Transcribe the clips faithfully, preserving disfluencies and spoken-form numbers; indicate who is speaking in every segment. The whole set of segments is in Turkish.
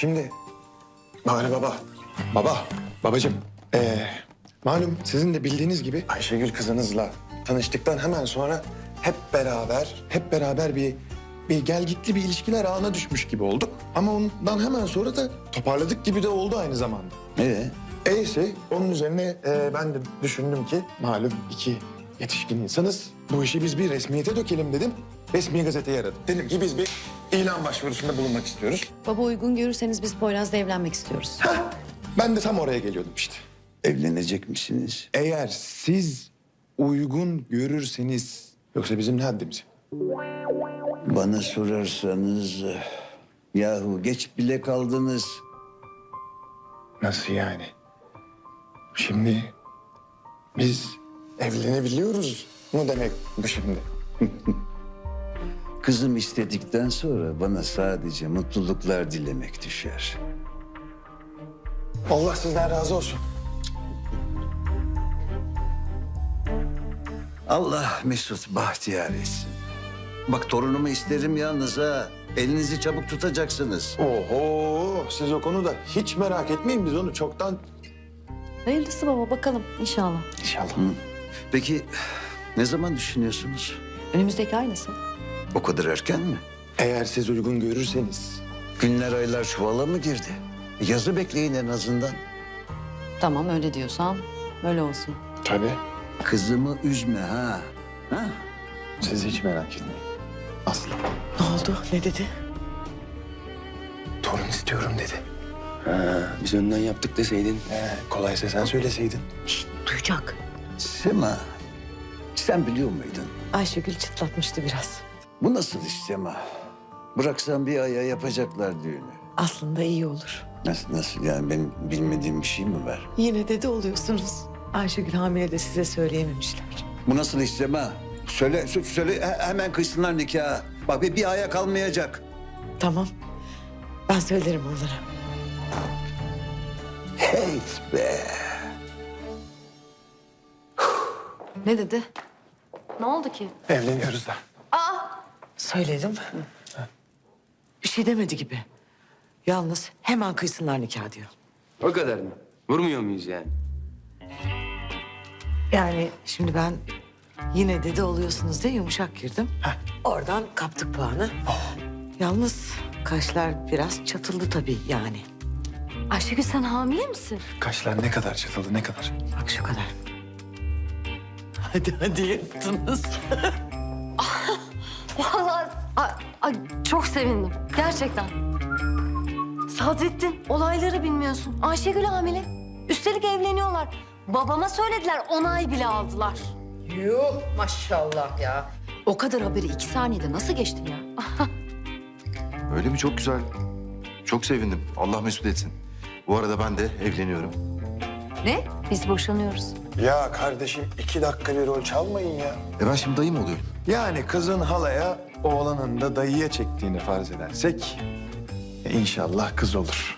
Speaker 1: Şimdi Bahri baba, baba, babacığım. Ee, malum sizin de bildiğiniz gibi Ayşegül kızınızla tanıştıktan hemen sonra hep beraber, hep beraber bir bir gelgitli bir ilişkiler ağına düşmüş gibi olduk. Ama ondan hemen sonra da toparladık gibi de oldu aynı zamanda.
Speaker 2: Ee?
Speaker 1: Eyse onun üzerine e, ben de düşündüm ki malum iki yetişkin insanız. Bu işi biz bir resmiyete dökelim dedim. Resmi gazeteye aradım. Dedim ki biz bir ilan başvurusunda bulunmak istiyoruz.
Speaker 3: Baba uygun görürseniz biz Poyraz'la evlenmek istiyoruz.
Speaker 1: Ben de tam oraya geliyordum işte.
Speaker 2: Evlenecek misiniz?
Speaker 1: Eğer siz uygun görürseniz, yoksa bizim ne haddimiz?
Speaker 2: Bana sorarsanız... Yahu geç bile kaldınız.
Speaker 1: Nasıl yani? Şimdi biz evlenebiliyoruz mu demek bu şimdi?
Speaker 2: Kızım istedikten sonra bana sadece mutluluklar dilemek düşer.
Speaker 1: Allah sizden razı olsun.
Speaker 2: Allah Mesut bahtiyar etsin. Bak torunumu isterim yalnız ha. Elinizi çabuk tutacaksınız.
Speaker 1: Oho, siz o konuda hiç merak etmeyin, biz onu çoktan...
Speaker 3: Hayırlısı baba, bakalım inşallah.
Speaker 1: İnşallah.
Speaker 2: Peki ne zaman düşünüyorsunuz?
Speaker 3: Önümüzdeki ay nasıl?
Speaker 2: O kadar erken mi?
Speaker 1: Eğer siz uygun görürseniz.
Speaker 2: Günler aylar çuvala mı girdi? Yazı bekleyin en azından.
Speaker 3: Tamam, öyle diyorsan öyle olsun.
Speaker 1: Tabii.
Speaker 2: Kızımı üzme ha. Ha?
Speaker 1: Siz hiç merak etmeyin. Aslı,
Speaker 4: Ne oldu? Ne dedi?
Speaker 1: torun istiyorum dedi.
Speaker 5: Biz önden yaptık deseydin.
Speaker 1: He, kolaysa sen söyleseydin.
Speaker 4: Duyacak.
Speaker 2: Sema, sen biliyor muydun?
Speaker 4: Ayşegül çıtlatmıştı biraz.
Speaker 2: Bu nasıl iş Sema? Bıraksan bir aya yapacaklar düğünü.
Speaker 4: Aslında iyi olur.
Speaker 2: Nasıl, nasıl yani benim bilmediğim bir şey mi var?
Speaker 4: Yine dede oluyorsunuz. Ayşegül hamile de size söyleyememişler.
Speaker 2: Bu nasıl iş Sema? Söyle, sö- söyle he- hemen kıysınlar nikahı. Bak bir, bir aya kalmayacak.
Speaker 4: Tamam. Ben söylerim onlara.
Speaker 2: Hey be.
Speaker 3: Ne dedi? Ne oldu ki?
Speaker 1: Evleniyoruz da.
Speaker 4: Söyledim. Bir şey demedi gibi. Yalnız hemen kıysınlar nikah diyor.
Speaker 5: O kadar mı? Vurmuyor muyuz yani?
Speaker 4: Yani şimdi ben yine dede oluyorsunuz diye yumuşak girdim. Oradan kaptık puanı. Yalnız kaşlar biraz çatıldı tabii yani.
Speaker 3: Ayşegül, sen hamile misin?
Speaker 1: Kaşlar ne kadar çatıldı, ne kadar?
Speaker 4: Bak şu kadar. Hadi hadi yaptınız.
Speaker 6: Vallahi ay, ay, çok sevindim. Gerçekten. Sadrettin, olayları bilmiyorsun. Ayşegül hamile. Üstelik evleniyorlar. Babama söylediler, onay bile aldılar.
Speaker 3: Yuh, maşallah ya. O kadar haberi iki saniyede nasıl geçtin ya?
Speaker 7: Öyle mi? Çok güzel. Çok sevindim. Allah mesut etsin. Bu arada ben de evleniyorum.
Speaker 6: Ne? Biz boşanıyoruz.
Speaker 1: Ya kardeşim iki dakika bir rol çalmayın ya.
Speaker 7: E ben şimdi dayım oluyorum.
Speaker 1: Yani kızın halaya, oğlanın da dayıya çektiğini farz edersek... e, inşallah kız olur.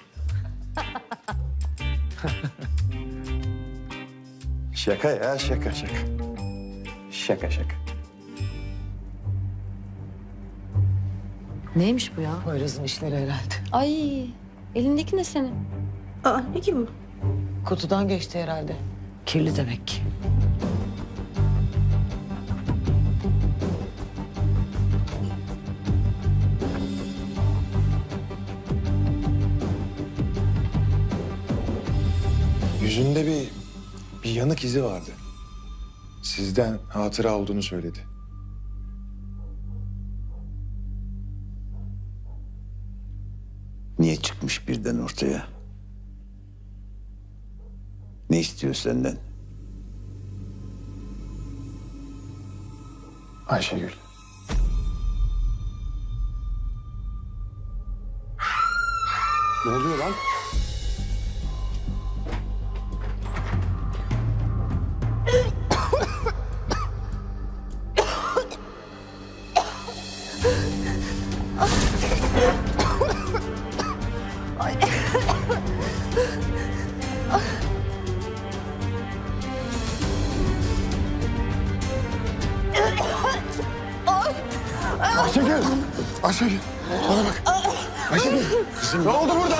Speaker 1: Şaka ya, şaka şaka. Şaka şaka.
Speaker 3: Neymiş bu ya?
Speaker 4: Poyraz'ın işleri herhalde.
Speaker 6: Ay, elindeki ne senin?
Speaker 4: Aa ne ki bu? Kutudan geçti herhalde. Kirli demek ki.
Speaker 1: Yüzünde bir, bir yanık izi vardı. Sizden hatıra olduğunu söyledi.
Speaker 2: Niye çıkmış birden ortaya? Ne istiyor senden?
Speaker 1: Ayşegül. Ne oluyor lan? Ayşegül! Ayşegül! Bana bak! Ayşegül!
Speaker 2: Kızım
Speaker 1: Ne oldu burada?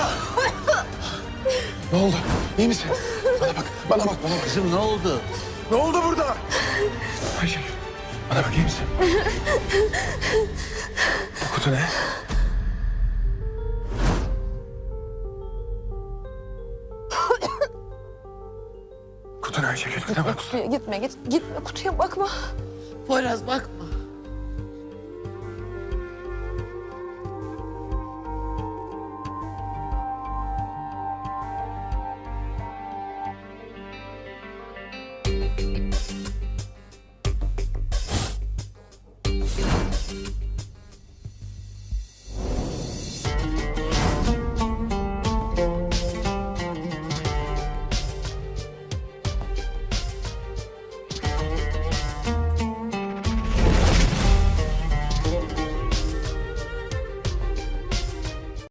Speaker 1: Ne oldu? İyi misin? Bana bak, bana bak, bana bak.
Speaker 2: Kızım ne oldu?
Speaker 1: Ne oldu burada? Ayşegül, bana bak, iyi misin? Bu kutu ne? Kutu ne Ayşegül? Kutu ne? Kutu.
Speaker 8: Gitme git gitme kutuya bakma.
Speaker 4: Poyraz bakma.